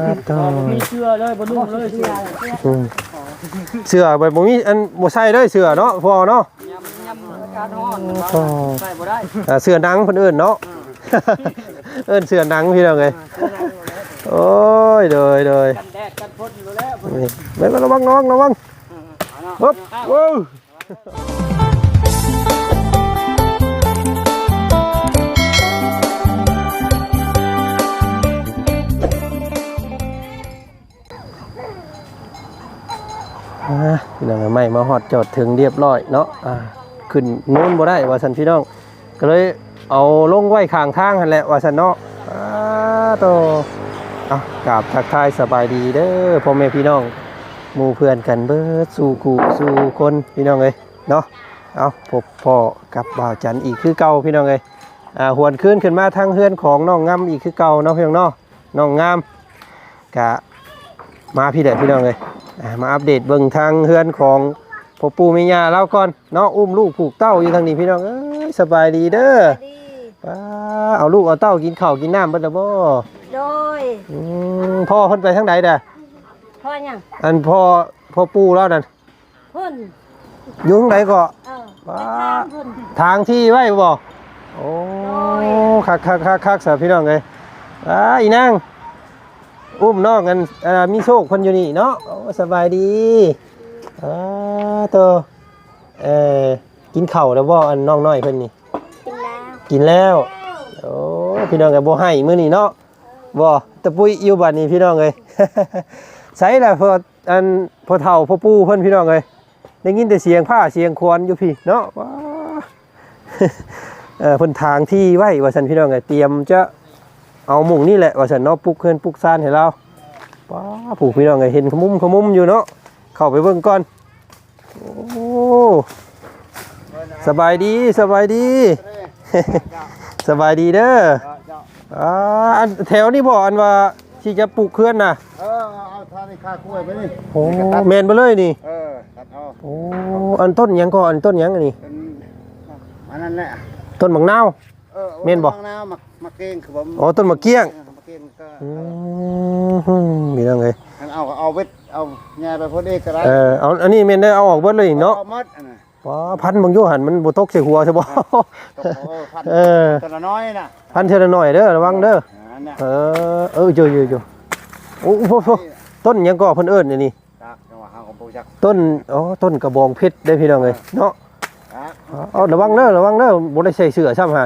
มีเสื้อเลยบ่นุ่งเลยเสื้อเสื้อแบบบ่มีอันบ่ใส่เลยเสื้อเนาะพอเนาะยำอากาศร้อนใส่บ่ได้เสื้อหนังเพิ่นเอิ้นเนาะเอิ้นเสื้อหนังพี่น้องเอ้ยโอ้ยเด้อกันแดดกันฝนอยู่แล้วนี่ระวังปึ๊บว้าวพี่น้องไม่มาฮอดจอดถึงเรียบร้อยเนาะขึ้นโน้นบ่ได้ว่าซั่นพี่น้องก็เลยเอาลงไว้ข้างทางหั่นแหละว่าซั่นเนาะโตกราบทักทายสบายดีเด้อพ่อแม่พี่น้องหมู่เพื่อนกันเบิดสู่กูสู่คนพี่น้องเอ้ยเนาะเอาพบพ่อกับบ่าวจันอีกคือเก่าพี่น้องเอ้ยหวนคืนขึ้นมาทางเฮือนของน้องงามอีกคือเก่าเนาะพี่น้องเนาะน้องงามกะมาพี่เด้อพี่น้องเอ้ยมาอัปเดตเบิ่งทางเฮือนของพ่อปู่แม่ย่าเราก่อนเนาะอุ้มลูกผูกเต้าอยู่ทางนี้พี่น้องเอ้ยสบายดีเด้อเอาลูกเอาเต้ากินข้าวกินน้ำเบิดแล้วบ่โดยพ่อเพิ่นไปทางใดเด้อพ่อยังอันพ่อปู่แล้วนั่นเพิ่นอยู่ทางใดก็ทางที่ไว้บ่โอ้คักๆๆๆพี่น้องเอ้ยอีนางอุ้มน้องกันมีโชคคนอยู่นี่เนาะสบายดีตัวกินข้าวแล้วบ่อันน้องน้อยเพิ่นนี่กินแล้วโอ้พี่น้องก็บ่ให้มื้อนี้เนาะบ่ตะปุ้ยอยู่บ้านนี้พี่น้องเอ้ยใส่ล่ะพออันพอเฒ่าพอปู่เพิ่นพี่น้องเอ้ยได้ยินแต่เสียงผ้าเสียงควรอยู่พี่เนาะว้าเพิ่นทางที่ไว้ว่าซั่นพี่น้องเอ้ยเตรียมจะเอาหมุ่งนี่แหละว่าซั่นเนาะปลุกเพิ่นปลุกซ่านให้เราว้าผู้พี่น้องเอ้ยเห็นขมุมอยู่เนาะเข้าไปเบิ่งก่อนโอ้สบายดีสบายดีเด้ออันแถวนี้บ่อันว่าที่จะปลูกเคลื่อนน่ะเอาท่านี่ค่ากล้วยไปนี่โอ้แม่นบ่เลยนี่ตัดเอาโอ้อันต้นหยังก็อันต้นหยังอันนี้อันนั้นแหละต้นมะนาวแม่นบ่มะนาวมะเก้งคือผมอ๋อต้นมะเกี้ยงมะเก้งก็มีจังไงเอาเวทเอาแง่ไปพอดีก็ได้เอาอันนี้แม่นได้เอาออกเบิดเลยเนาะเอาหมดอันน่ะพันบางอยู่หั่นมันบ่ตกใส่หัวใช่บ่แต่ละน้อยน่ะพันเท่าน้อยเด้อระวังเด้อเจอโอ้โหต้นยังก็เพิ่นเอิ้นนี่ต้นต้นกระบองเพชรได้พี่น้องเอ้ยเนาะระวังเด้อบ่ได้ใส่เสื้อซ้ำห่า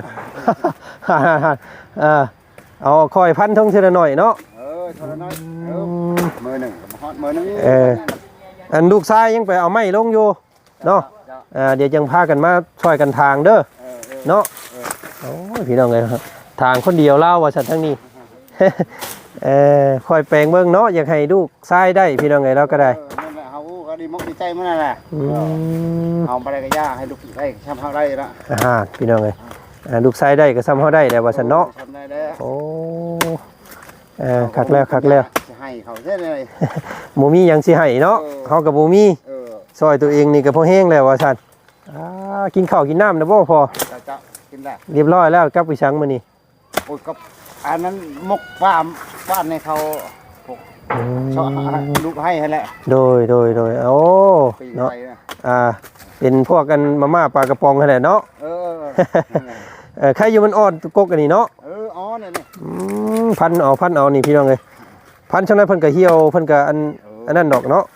เอาคอยพันท่องเท่าน้อยเนาะเท่าน้อยมือหนึ่งฮอดมือนึงอันลูกชายยังไปเอาไม้ลงอยู่เนาะเดี๋ยวจังพากันมาช่วยกันทางเด้อเนาะโอ้ยพี่น้องเอ้ยทางคนเดียวเล่าว่าฉันทั้งนี้คอยแปลงเบิ่งเนาะอยากให้ลูกชายได้พี่น้องเอ้ยเราก็ได้เฮาก็ดีมกดีใจมันนั่นแหละเอาไปได้ก็ย่าให้ลูกได้ทำเฮาได้ละพี่น้องเอ้ยลูกชายได้ก็ซ้ำเฮาได้แล้วว่าฉันเนาะโอ้คักแล้วสิให้เขาเด้เลยบ่มีหยังสิให้เนาะเฮาก็บ่มีซอยตัวเองนี่ก็พอแห้งแล้วว่าซั่นกินข้าวกินน้ำนะบ่พอจะกินได้เรียบร้อยแล้วกลับไปชังมื้อนี้โอ้ยกับอันนั้นมกบ้านในเขาชอบลูกให้แหละโดยโอ้เนาะเป็นพวกกันมาม่าปลากระป๋องนั่นแหละเนาะใครอยู่มันอ่อนกกอันนี้เนาะอ่อนนี่พันเอานี่พี่น้องเอ้ยพันจังได๋เพิ่นก็เหี่ยวเพิ่นก็อันนั้นดอกเนาะ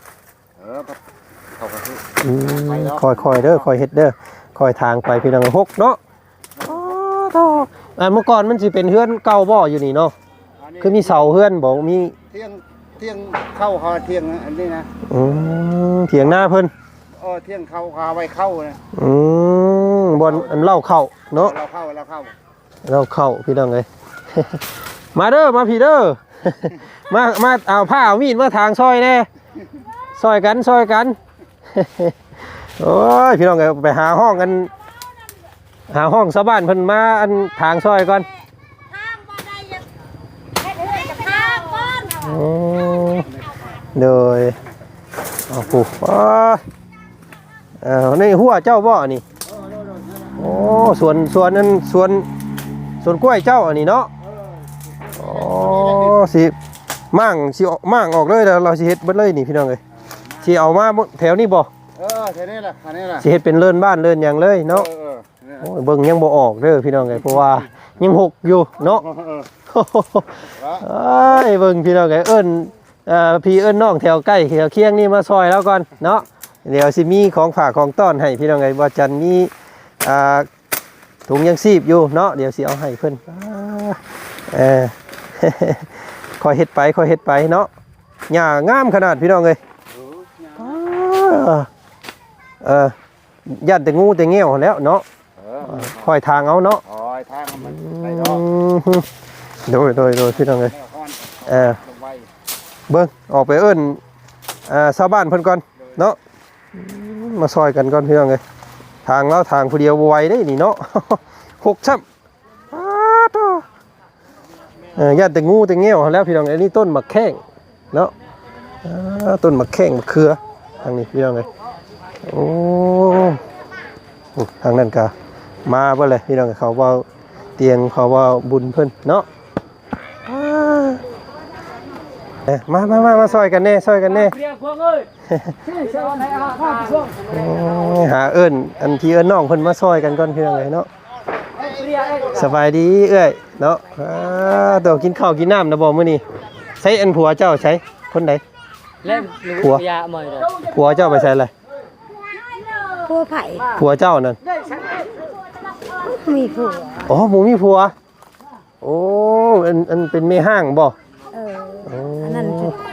คอยเด้อคอยเฮ็ดเด้อคอยทางไปพี่น้องหกเนาะเมื่อก่อนมันสิเป็นเฮือนเก่าบ่อยู่นี่เนาะคือมีเสาเฮือนบ่มีเที่ยงเข้าเที่ยงอันนี้นะเถียงหน้าเพิ่นเที่ยงเข้าไว้เข้านะบ่อันเล่าเข้าเนาะเราเข้าพี่น้องเอ้ยมาเด้อมาพี่เด้อมาเอาผ้าเอามีดมาทางซอยแน่ซอยกันโอ้ยพี่น้องเอ้ยไปหาห้องกันหาห้องชาวบ้านเพิ่นมาอันทางซอยก่อนทางบ่ได้ยังเฮ็ดเฮือนกับทางก่อนโดยปู่นี่หัวเจ้าบ่นี่โอ้สวนนั้นสวนกล้วยเจ้าอันนี้เนาะโอ้สิมั่งสิมั่งออกเลยแล้วเราสิเฮ็ดเบิดเลยนี่พี่น้องเอ้ยสิเอามาแถวนี้บ่แค่นี้แหละอันนี้แหละสิเฮ็ดเป็นเลื่อนบ้านเลื่อนหยังเลยเนาะโอ้ยเบิ่งยังบ่ออกเด้อพี่น้องเอ้ยเพราะว่ายังหกอยู่เนาะเอ้ยเบิ่งพี่น้องเอ้ยเอิ้นพี่เอิ้นน้องแถวใกล้แถวเคียงนี่มาซอยแล้วก่อนเนาะเดี๋ยวสิมีของฝากของต้อนให้พี่น้องเอ้ยบ่จันมีถุงยังชีพอยู่เนาะเดี๋ยวสิเอาให้เพิ่นคอยเฮ็ดไปเนาะหญ้างามขนาดพี่น้องเอ้ยยันแต่งูแต่เงี้ยวแล้วเนาะคอยทางเอาเนาะทางมันไปดอกโดยพี่น้องเลยเบิ้งออกไปเอิ้นชาวบ้านเพิ่นก่อนเนาะมาซอยกันก่อนพี่น้องเลยทางแล้วทางผู้เดียวบ่ไหวได้นี่เนาะหกช้ำยันแต่งูแต่เงี้ยวแล้วพี่น้องอันนี้ต้นมะแข้งเนาะต้นมะแข้งมะเขือทางนี้พี่น้องเลยโอ้ทางนั้นก็มาเบ่เลยพี่น้องเขาว่าเตียงเขาว่าบุญเพิ่นเนาะมาซอยกันแน่หาเอิ้นอันที่เอิ้นน้องเพิ่นมาซอยกันก่อนพี่น้องเนาะสบายดีเอ้ยเนาะตัวกินข้าวกินน้ำนะบ่มื้อนี้ใช้อันผัวเจ้าใช้คนใดผัวเจ้าไปใช้อะไรผัวไผ่ผัวเจ้านั่นมีผัวอ๋อหมูมีผัวโอ้อันเป็นแม่ห้างบ่อันนั้น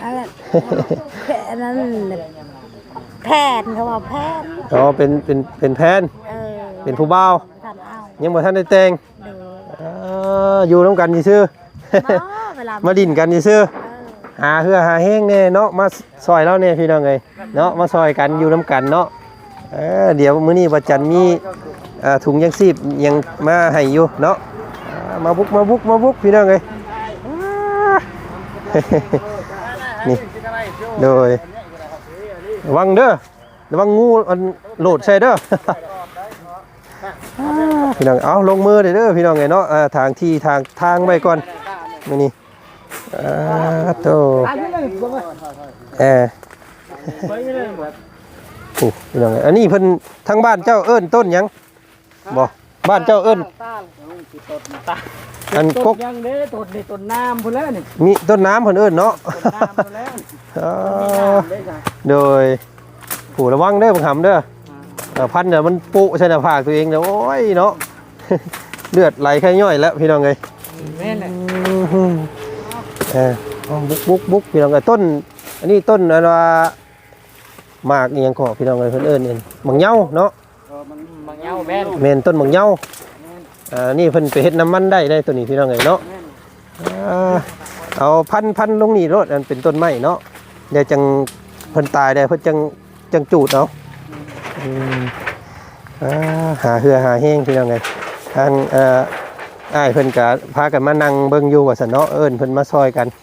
แพนเขาว่าแพนอ๋อเป็นแพนเป็นผู้บ่าวยังบ่ทันได้แต่งอยู่ร่วมกันซื่อมาดินกันซื่อหาเฮือหาแห้งแน่เนาะมาซอยแล้วเนี่ยพี่น้องเอ้ยเนาะมาซอยกันอยู่ร่วมกันเนาะเดี๋ยวมื้อนี้บ่จันมีถุงยังชีพยังมาให้อยู่เนาะมาบุกพี่น้องเอ้ยนี่โดยระวังเด้อระวังงูอันโหลดใส่เด้อพี่น้องเอาลงมือเด้อพี่น้องไงเนาะทางไว้ก่อนมื้อนี้โตพี่น้องอันนี้เพิ่นทางบ้านเจ้าเอิ้นต้นหยังบ่บ้านเจ้าเอิ้นอันกกยังเด้ต้นน้ำพุ่นแล้วนี่มีต้นน้ำเพิ่นเอิ้นเนาะโดยผู้ระวังเด้อบังหำเด้อพันเดี๋ยวมันปุใส่หน้าผากตัวเองเดี๋ยวโอ้ยเนาะเลือดไหลแค่ย่อยแล้วพี่น้องเอ้ยแม่นแหละบุกพี่น้องเอ้ยต้นอันนี้ต้นอะไรว่าหมากอีหยังก็พี่น้องเอ้ยเพิ่นเอิ้นมังเหย้าเนาะมังเหย้าแม่นต้นมังเหย้านี่เพิ่นไปเฮ็ดน้ำมันได้ตัวนี้พี่น้องเอ้ยเนาะเอาพันลงนี่รถอันเป็นต้นไม้เนาะเดี๋ยวจังเพิ่นตายได้เพิ่นจังจูดเอาหาเหือหาแห้งพี่น้องไงทางอ้ายเพิ่นก็พากันมานั่งเบิ่งอยู่ว่าซั่นเนาะเอิ้นเพิ่นมาซอยกัน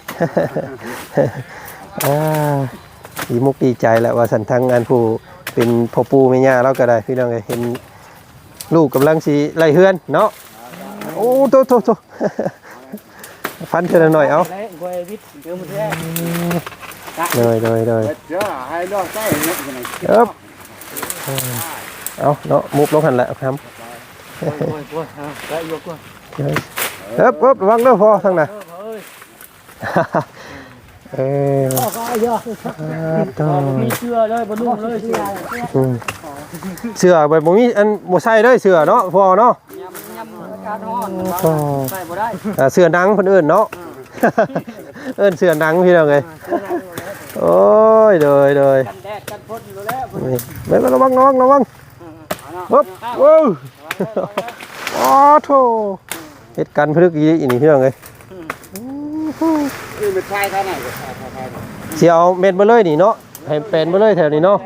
ดีมุกดีใจแหละว่าซั่นทางงานผู้เป็นพ่อปู่แม่ย่าเราก็ได้พี่น้องเอ้ยเห็นลูกกำลังสิไล่เฮือนเนาะโอ้โตฟันเท่าหน่อยเอาเลยเอาเนาะมุกลงหันแหละครับระวังเด้อพอทางไหนมีเสื้อเลยบ่นุ่งเลยเสื้อใบบ่มีอันบ่ใส่เลยเสื้อเนาะพอเนาะใส่บ่ได้เสื้อหนังเพิ่นเอิ้นเนาะเอิ้นเสื้อหนังพี่น้องเอ้ยโอ้ยโดยกันแดดกันฝนอยู่แล้วไม่ระวังปึ๊บว้าวอ๋อโธ่เฮ็ดกันพลึกอีนี่พี่น้องเอ้ยนี่มันใช่เท่าไหร่สิเอาเม็ดมาเลยนี่เนาะให้เป็นมาเลยแถวนี้เนาะ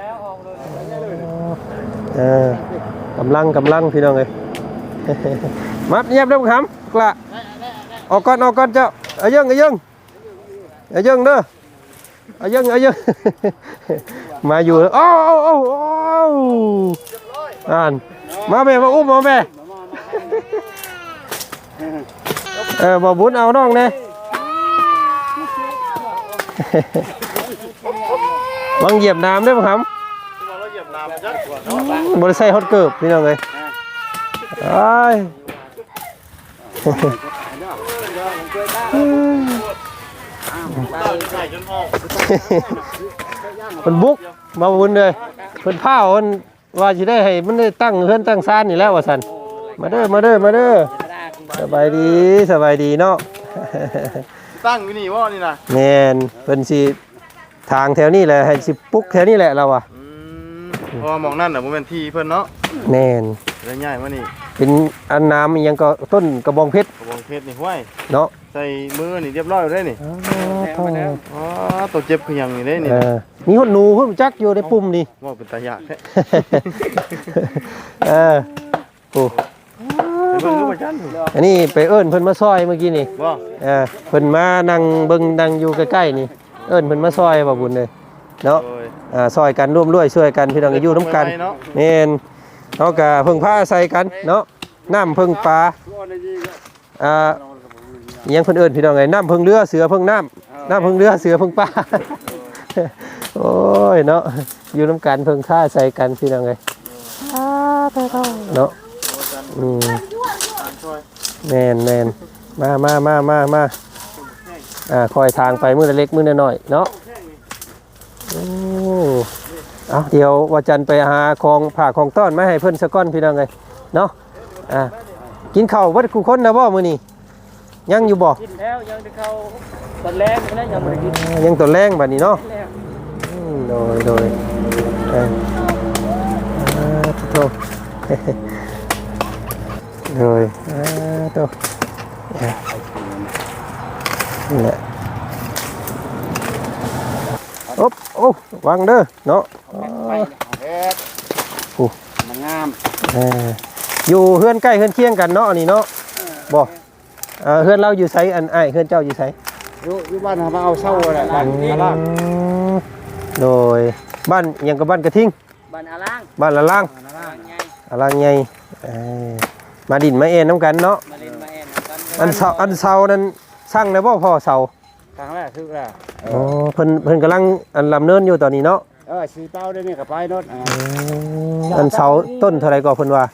กำลังพี่น้องเอ้ยมัดเงียบเด้อครับกละออกก่อนเจ้าเอายังเด้อเอายังมาอยู่โอ้มาแม่มาอุ้มมาแม่บ่บุญเอาน้องแน่วังเหยียบน้ำได้ป่ะครับบริใส่ฮอตเกิบพี่น้องเลยไอ้ยมันบุกมาบุญเลยเพิ่นผ้ามันว่าจะได้ให้มันได้ตั้งเฮือนตั้งซ่านนี่แล้วว่าสันมาเด้อมาเด้อมาเด้อสบายดีเนาะตั้งอยู่นี่ว่านี่นะแม่นเพิ่นสิทางแถวนี้แหละให้สิปุ๊กแถวนี้แหละเราอ่ะเพราะว่ามองนั่นน่ะบ่แม่นที่เพิ่นเนาะแม่นเลยง่ายมานี่เป็นอันน้ำอิหยังก็ต้นกระบองเพชรกระบองเพชรนี่ห้วยเนาะใส่มือนี่เรียบร้อยได้นี่อ๋อตัวเจ็บคือหยังนี่ได้นี่มีหดหนูเพิ่นจักอยู่ในปุ่มนี่ว่าเป็นตายากแท้โอ้เพิ่นรู้ว่าจันอันนี้ไปเอิ้นเพิ่นมาซอยเมื่อกี้นี่บ่เพิ่นมานั่งเบิ่งนั่งอยู่ใกล้ๆนี่เอิ้นเพิ่นมาซอยบ่บุญเลยเนาะโอ้ยซอยกันร่วมด้วยช่วยกันพี่น้องอยู่ร่วมกันแม่นเฮาก็พึ่งพาอาศัยกันเนาะน้ำพึ่งปลาอิหยังเพิ่นเอิ้นพี่น้องไงน้ำพึ่งเรือเสือพึ่งน้ำพึ่งเรือเสือพึ่งปลา โอ้ยเนาะอยู่ร่วมกันพึ่งพาอาศัยกันพี่น้องไงเนาะแม่นมาคอยทางไปมื้อละเล็กมื้อละน้อยเนาะเอาเดี๋ยวว่าจันไปหาของผ่าของต้อนมาให้เพิ่นสะก้อนพี่น้องไงเนาะกินข้าววัดกูคนนะบ่มื้อนี้ยังอยู่บ่กินแล้วยังจะเข้าตอนแรกนะยังไม่ได้กินยังตัวแรงบัดนี้เนาะโดยโตโดยโตนี่แหละโอ้วางเด้อเนาะมันงามอยู่เฮือนใกล้เฮือนเคียงกันเนาะนี่เนาะบ่เฮือนเราอยู่ไสอันอ้ายเฮือนเจ้าอยู่ไสอยู่บ้านมาเอาเช่าแหละบ้านอาล่างโดยบ้านยังกับบ้านกระทิงบ้านอาล่างบ้านละล่างไงละล่างใหญ่มาดินมาเอ็นน้ำกันเนาะมาเล่นมาแอนกันอันเสานั้นสร้างได้บ่พ่อเสาครั้งแรกคือว่าอ๋อเพิ่นกำลังอันลำเนินอยู่ตอนนี้เนาะสีเป้าได้นี่กับไปรถอันเสาต้นเท่าไรก็เพิ่นว่า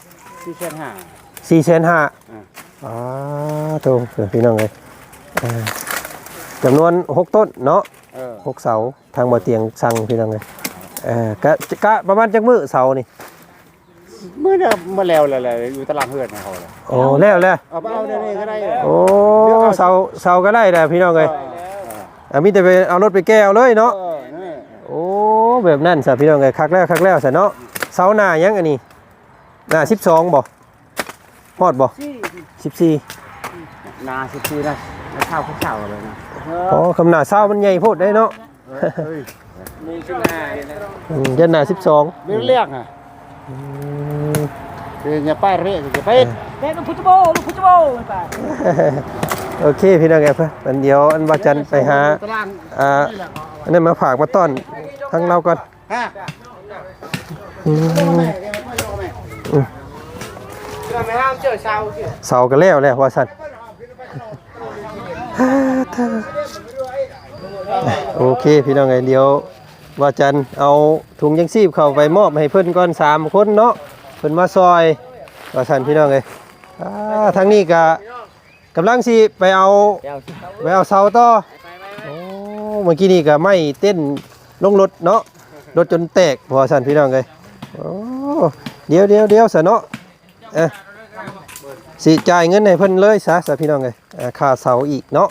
4,500,000โตพี่น้องเอ้ยจำนวน6ต้นเนาะ6เสาทางบ่เตียงสั่งพี่น้องเอ้ยกะประมาณจักมื้อเสานี่เมื่อมาแล้วเลยอยู่ตลาดเฮือนเขาเลยโอ้แล้วเอาไปเอาได้นี่ก็ได้โอ้เสาก็ได้แหละพี่น้องเอ้ยมีแต่ไปเอารถไปแก้วเลยเนาะโอ้แบบนั้นซะพี่น้องเอ้ยคักแล้วซะเนาะเสาหน้ายังอันนี้หน้า12บ่ฮอดบ่14 นา14นะข้าวเลยนะอ๋อคำหน้าเสามันใหญ่โพดได้เนาะมีขึ้นหน้าเลยนะยันหน้า12 เรียกอ่ะอย่าไปเรียกอย่าไปเด็กลูกพุทธโบไปโอเคพี่น้องเอ้ยเพิ่นเดี๋ยวอันว่าจันไปหาอันนั้นมาฝากมาต้อนทั้งเราก่อนเสาก็แล้วว่าซั่นโอเคพี่น้องเอ้ยเดี๋ยวว่าจันเอาถุงยังชีพเข้าไปมอบให้เพิ่นก่อน3คนเนาะเพิ่นมาซอยว่าซั่นพี่น้องเอ้ยทางนี้ก็กำลังสิไปเอาเสาต่อโอ้เมื่อกี้นี่ก็ไม่เต้นลงรถเนาะรถจนแตกพอสั่นพี่น้องเลยโอ้เดี๋ยวซะเนาะสิจ่ายเงินให้เพิ่นเลยซะพี่น้องเลยค่าเสาอีกเนาะ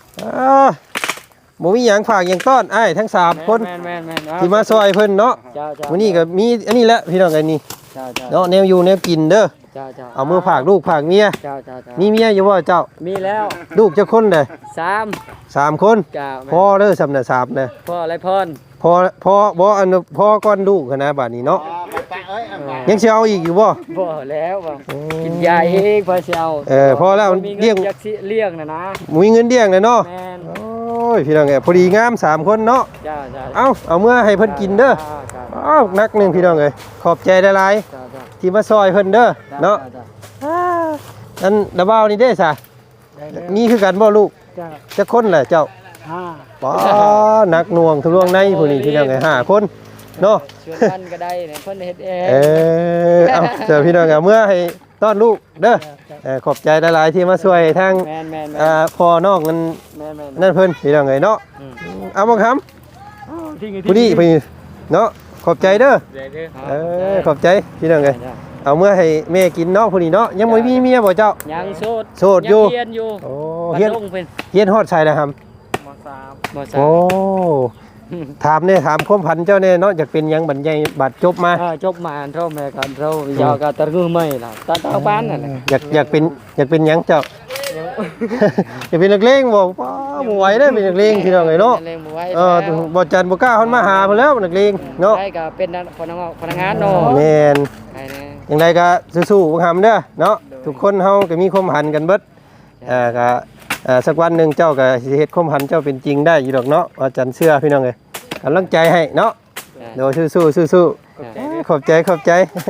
บ่มีหยังฝากหยังต้อนอ้ายทั้ง3คนที่มาซอยเพิ่นเนาะวันนี้ก็มีอันนี้แหละพี่น้องไอ้นี่เนาะแนวอยู่แนวกินเด้อเอามือฝากลูกฝากเมียมีเมียอยู่บ่เจ้ามีแล้วลูกจักคนเด้อ3คน พ่อเด้อสำน่ะ3เด้อพ่ออะไรพรพ่อบ่อันพ่อก่อนลูกนะบัดนี้เนาะยังสิเอาอีกอยู่บ่พ่อแล้วกินยาเองพอสิเอาพอแล้วเลี้ยงนะมีเงินเลี้ยงเลยเนาะโอ้ยพี่น้องเอ้ยพอดีงาม3คนเนาะเอาเมื่อให้เพิ่นกินเด้อนักนึงพี่น้องเอ้ยขอบใจหลายๆที่มาซอยเพิ่นเด้อเนาะอันดะบ่าวนี่เด้ซะนี่คือกันบ่ลูกจักคนแหละเจ้าป้านักหน่วงทะลวงในผู้นี้พี่น้องไง5คนเนาะชวนกันก็ได้เนี่ยเพิ่นเฮ็ดเองเอาเจอพี่น้องเมื่อให้ต้อนลูกเด้อขอบใจหลายๆที่มาช่วยทางแม่นพ่อน้องนั่นแม่นนั่นเพิ่นพี่น้องไงเนาะเอาบ่คำผู้นี้พี่เนาะขอบใจเด้อขอบใจพี่น้องไงเอาเมื่อให้แม่กินเนาะผู้นี้เนาะยังบ่มีเมียบ่เจ้ายังโสดโสดอยู่เฮียนอยู่โอ้เฮีเฮียยนนลงเป็นเฮียนฮอดชัยแล้วครับม3 โอ้ถามเนี่ยถามความพันเจ้าเนี่ยเนาะอยากเป็นหยังบัดใหญ่บัดจบมาจบมาเท่าแม่กันเท่ายาวก็ตะคือไม่ล่ะตาบ้านนั่นแหละอยากเป็นหยังเจ้า อยากเป็นนักเลงบ่ป้าบ่ไหวได้อเป็นนักเลงพี่น้องไงเนาะเล่นบ่ไหวบ่จันบ่กล้าเฮามาหาเพิ่นแล้วนักเลงเนาะได้ก็เป็นพนักงานเนาะแม่นใช่แน่จังไดก็สู้ๆบ่หำเด้อเนาะทุกคนเฮาก็มีความหันกันเบิดก็สักวันหนึงเจ้าก็สิเฮ็ดความหันเจ้าเป็นจริงได้อยู่ดอกเนาะว่าจันเชื่อพี่น้องเอ้ยกำลังใจให้เนาะโดยสู้ๆขอบใจ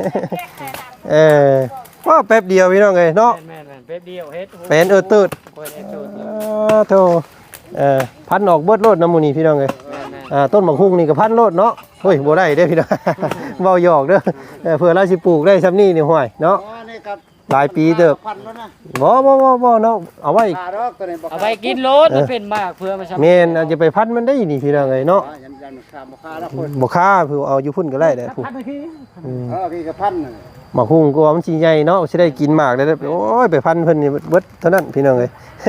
ว่าแป๊บเดียวพี่น้องเอ้ยเนาะแม่นแป๊บเดียวเฮ็ดเป็นตืดโธ่พันออกเบิดโลดน้ำมูนี่พี่น้องเอ้ยต้นบักฮุ่งนี่ก็พันโลดเนาะเฮ้ยบ่ได้เด้อพี่น้อง เว้าหยอกเด้อเผื่อเราสิปลูกได้ซำนี้นี่ห้วยเนาะหลายปีเด้อบ่เนาะเอาไว้เอาไปกินรถมันเป็นมากเพื่อมาแม่นอาจจะไปพันมันได้นี่พี่น้องเอ้ยเนาะบ่ค่าเพิ่นเอาอยู่พุ่นก็ได้เด้อผู้พี่กระพันบักฮุ่งก็ว่ามันสิใหญ่เนาะสิได้กินมากได้โอ้ยไปพันเพิ่นนี่เบิดเท่านั้นพี่น้องเอ้ย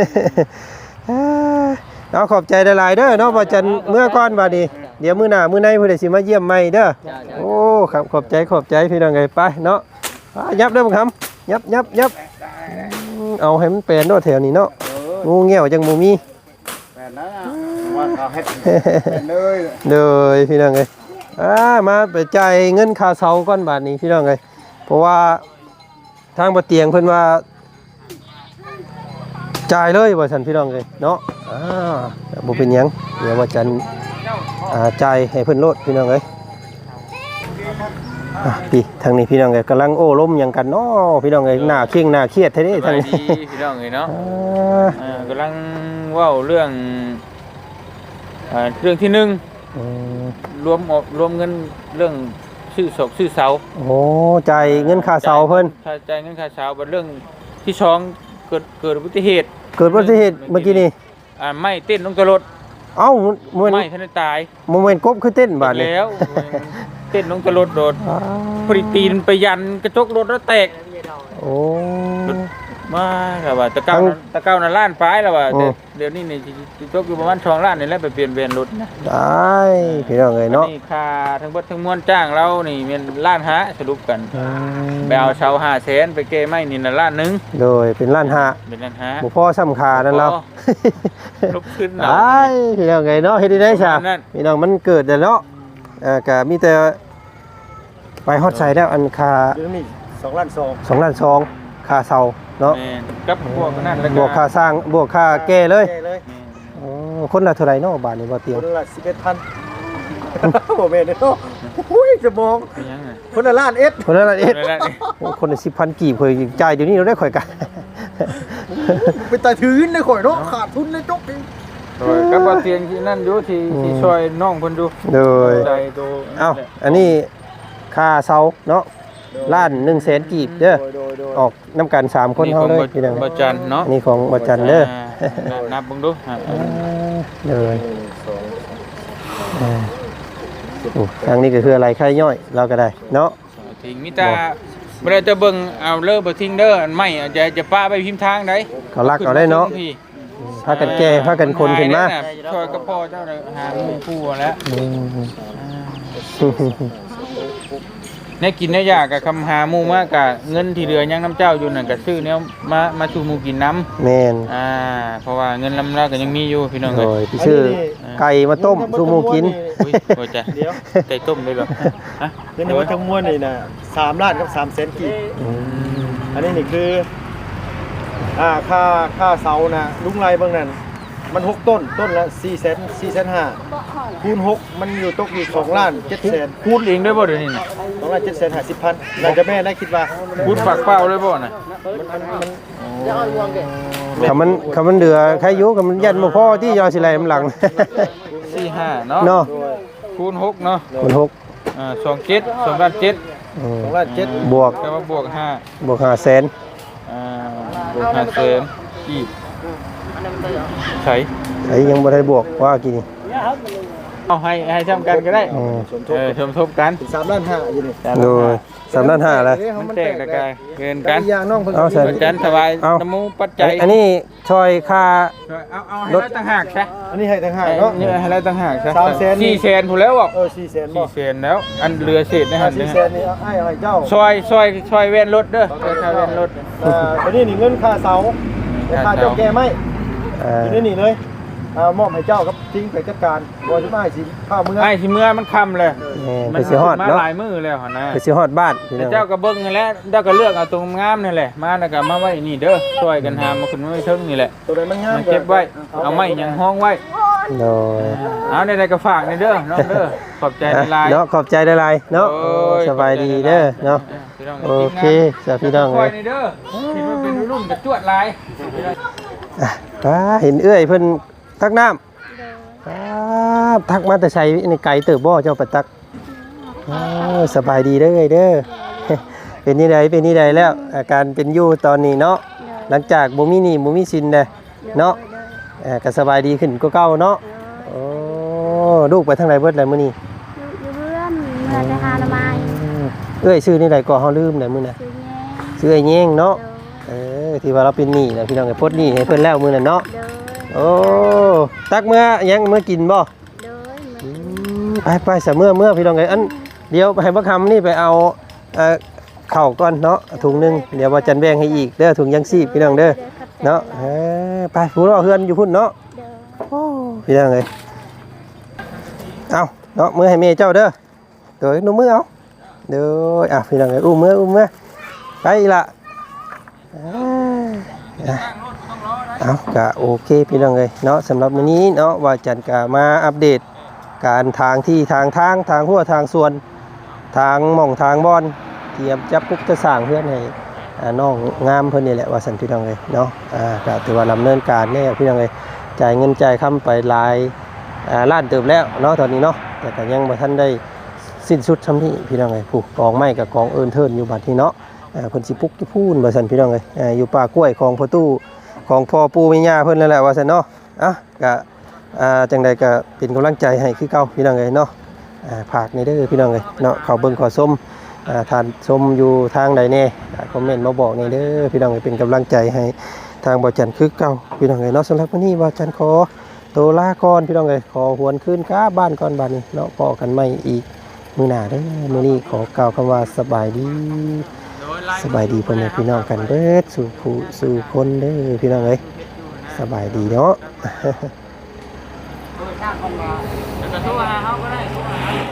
เอาขอบใจหลายๆเด้อเนาะบ่จันเมื่อก่อนบัดนี้เดี๋ยวมื้อหน้ามื้อในเพิ่นสิมาเยี่ยมใหม่เด้อโอ้ครับขอบใจพี่น้องเอ้ยไปเนาะยับเด้อบังคำยับเอาให้มันเป็นโดดแถวนี้เนาะงูเงี้ยวจังบ่มีแม่นนะว่าเขาเฮ็ดเลยเด้อพี่น้องเอ้ยมาไปจ่ายเงินค่าเช่าก่อนบาดนี้พี่น้องเอ้ยเพราะว่าทางบ่เตียงเพิ่นว่าจ่ายเลยว่าซั่นพี่น้องเอ้ยเนาะบ่เป็นหยังเดี๋ยวว่าจันจ่ายให้เพิ่นโลดพี่น้องเอ้ยพี่ทางนี้พี่น้องเอ้ยกำลังโอ้ล้มหยังกันเนาะพี่น้องเอ้ยหน้าเคร่งหน้าเครียดแท้เด้ทางนี้พี่น้องเอ้ยเนาะกำลังเว้าเรื่องที่หนึ่งรวมเงินเรื่องชื่อศกชื่อเสาโอ้จ่ายเงินค่าเสาเพิ่นจ่ายเงินค่าเสาเป็นเรื่องที่สองเกิดอุบัติเหตุเมื่อกี้นี่ไม่เต้นลงกระรถเอ้าไม่ทันตายโมเมนต์กบคือเต้นบาดนี้แล้วเต้นลงกระรถโดดพอดีตีนไปยันกระจกรถแล้วแตกโอ้มาแล้วว่าตะเก้าน่ะล้านปลายแล้วว่าเดี๋ยวนี้นี่จกอยู่ประมาณ2 ล้านนี่แหละไปเปลี่ยนเวียนรถนะได้พี่น้องเอ้ยเนาะนี่ค่าทั้งเบิดทั้งมวลจ้างเรานี่เป็น1.5 ล้านสรุปกันไปเอาเสา500,000ไปเก้ไม้นี่น่ะ1.1 ล้านโดยเป็น1.5 ล้านเป็น1.5 ล้านบ่พอซ้ำค่านั่นแล้วลบขึ้นได้พี่น้องเอ้ยเนาะเฮ็ดได้ซะพี่น้องมันเกิดแล้วเนาะก็มีแต่ไปฮอดใส่แล้วอันค่านี่2.2 ล้าน 2.2 ล้านค่าเสาเนาะกับพวกนั้นแล้วบวกค่าสร้างบวกค่าแก้เลยคนละเท่าไหร่เนาะบาทนี้บ่เตียงคนละ11,000บ่แม่นเนาะอุ้ยจะมองคนละล้านเอ็ดคนละล้านเอ็ดคนละ 10,000 กีบเคยจ่ายเดี๋ยวนี้เราได้ข่อยกันไปตายถืนได้ข่อยเนาะขาดทุนเลยจกอีกกับบ่เตียงที่นั่นอยู่ที่ช่วยน้องเพิ่นอยู่โดยเอ้าอันนี้ค่าเสาเนาะ1,100,000 กีบเด้อออกน้ำกัน3คนเฮาเลยพี่น้องบ่จันเนาะนี่ของบ่จันเด้อนับเบิ่งดูเลยทางนี้ก็คืออะไรไข่ย่อยเราก็ได้เนาะทิ้งมิตาบ่ได้จะเบิ่งเอาเลิกบ่ทิ้งเด้ออันไม่จะป้าไปพิมพ์ทางได้เขาลักเอาได้เนาะพากันแก้พากันคนขึ้นมาช่วยกับพ่อเจ้าหาหมู่ผู้แล้วเนี่ยกินเนี่ยยากกับคำหาหมู่มากกับเงินที่เหลือยังน้ำเจ้าอยู่นั่นกับซื้อเนี่ยมาชูหมู่กินน้ำแมนเพราะว่าเงินลำละก็ยังมีอยู่พี่น้องเลยพี่ชื่อไก่มาต้มชูหมู่กินโอ้ยจ้ะไก่ต้มเลยหรอเงินทั้งมวลนี่นะ3 ล้านกับ300,000 กีบอันนี้นี่คือค่าเสานะลุงไรบางนั้นมัน6 ต้นละ4,500,000คูณ6มันอยู่ตกอยู่2,700,000 คูณเองได้บ่เดี๋ยวนี้ 2,750,000น่าจะแม่ได้คิดว่าคูณปากเปล่าได้บ่น่ะมันคำมันเดือใครอยู่คำมันยันบ่พอที่ยอสิไหลมันหลัง 45เนาะเนาะคูณ6เนาะคน6 27 2ล้าน7 2ล้าน7 บวกแต่ว่าบวก5 บวก5แสนบวก5แสนกีบใช่ไอ้ยังบ่ได้บวกว่ากี่นี่เอาให้ทำกันก็ได้อ๋อชมทบกัน 3ล้าน5อยู่นี่โดย3ล้าน5แล้วมันแตกตะกายเกินกันอย่างน้องเพิ่นเอาใส่เหมือนกันสบายเอาน้ำมูปัจจัยอันนี้ช่อยค่าเอาให้เราต่างหากใช่อันนี้ให้ต่างหากเนาะนี่ให้เราต่างหากใช่ 300,000 4แสนถูกแล้วบอก 4แสนบ่ 4แสนแล้ว อันเรือเศษนะฮะ 4แสนนี่เอาให้เจ้าซอยเว้นรถเด้อซอยเว้นรถตัวนี้นี่เงินค่าเสาและค่าเจ้าแก่ไม้ อยู่ในนี่เลยมอบให้เจ้าครับทิ้งไปจัดการบอจะมาให้สิข้าวเมื่อไอ้ที่เมื่อมันคำเลยไปสิฮอดมาเนาะหลายมือแล้วหั่นนะไปสิฮอดบ้านพี่น้แต่องเจ้าก็เบิ่งนั่นแหละเจ้าก็เลือกเอาตรงงามนั่นแหละมาแล้วก็มาไว้นี่เด้อช่วยกันหามาขึ้นมาไว้เทิงนี่แหละตัวใดมันงามมาเก็บไว้เอาไม้หยังห้องไว้โดยเอาในใดก็ฝากในเด้อน้องเด้อขอบใจในไลน์เนาะขอบใจหลายๆเนาะโอ้ยสบายดีเด้อเนาะพี่น้งโอเคสวัสดีพี่น้องคเลอยยในเด้อที่มันเป็นรุ่นกับจวดลายอ่ะป้าเห็นเอื้อยเพิ่นตักน้ำป้าทักมาแต่ใช้ในไก่เติบบ่เจ้าไปตักสบายดีเด้อเอ้ยเด้อ เป็นนี่ใดเป็นนี่ใดแล้ว อาการเป็นอยู่ตอนนี้เนาะหลังจากบ่มีหนี้บ่มีสินเด้เนาะก็สบายดีขึ้นกว่าเก่าเนาะโอ้ลูกไปทางไหนเบิดแล้วมื้อนี้อยู่เพื่อนเมื่อไปหาละไม้เอ้ยชื่อนี่ใดก็เฮาลืมแล้วมื้อน่ะซื้อแง่ชื่อไอ้แยงเนาะที่ว่าเราเป็นหนี้นะพี่น้องไอ้พดหนี้ให้เพิ่นแล้วมื้อนั้นเนาะเดินโอ้ตักเมื่อยังเมื่อกินบ่เดินไปเสเมื่อพี่น้องไอ้อันเดี๋ยวให้บักคำนี่ไปเอาข้าวก่อนเนาะถุงหนึงเดี๋ยวว่าจันแบ่งให้อีกเด้อถุงยังชีพพี่น้องเด้อเนาะไปผู้รอเฮือนอยู่พุ่นเนาะโอ้พี่น้องเอ้ยเอาเนาะมือให้แม่เจ้าเด้อเดี๋ยวหนูมือเอาเดี๋ยวพี่น้องเอ้ยอุ้มมือไปอีกละเอาก็โอเคพี่น้องเอ้ยเนาะสำหรับวันนี้เนาะว่าจันก็มาอัปเดตการทางที่ทางหัวทางส่วนทางหม่องทางบอนเตรียมจับปุ๊บจะสร้างเพื่อนให้น้องงามเพิ่นนี่แหละว่าสันพี่น้องเลยเนาะก็ถือว่าดำเนินการแน่พี่น้องเลยจ่ายเงินจ่ายคำไปหลายล้านเติบแล้วเนาะตอนนี้เนาะแต่ก็ยังบ่ทันได้สิ้นสุดทำที่พี่น้องเลยผูกกองไม้กับกองเอิญเทินอยู่บัดนี้เนาะเพิ่นสิปุกจะพูนว่าสันพี่น้องเลยอยู่ป่ากล้วยของพ่อตู้ของพ่อปู่แม่ย่าเพิ่นนั่นแหละว่าสันเนาะก็จังใดก็เป็นกำลังใจให้คือเก่าพี่น้องเลยเนาะฝากในเด้อพี่น้องเลยเนาะเขาเบิ่งขอส้มทานส้มอยู่ทางใดแน่คอมเมนต์มาบอกในเด้อพี่น้องเลยเป็นกำลังใจให้ทางบ่จันคือเก่าพี่น้องเลยเนาะสำหรับวันนี้บ่จันขอตัวลาก่อนพี่น้องเลยขอหวนคืนค้าบ้านก่อนบัดนี้เนาะพอกันใหม่อีกมื้อหน้าเด้อมื้อนี้ขอกล่าวคำว่าสบายดีพ่อแม่พี่น้องกันเด้อสู่ผู้สู่คนเด้อพี่น้องเลยสบายดีเนาะจะโทรหาเขาก็ได้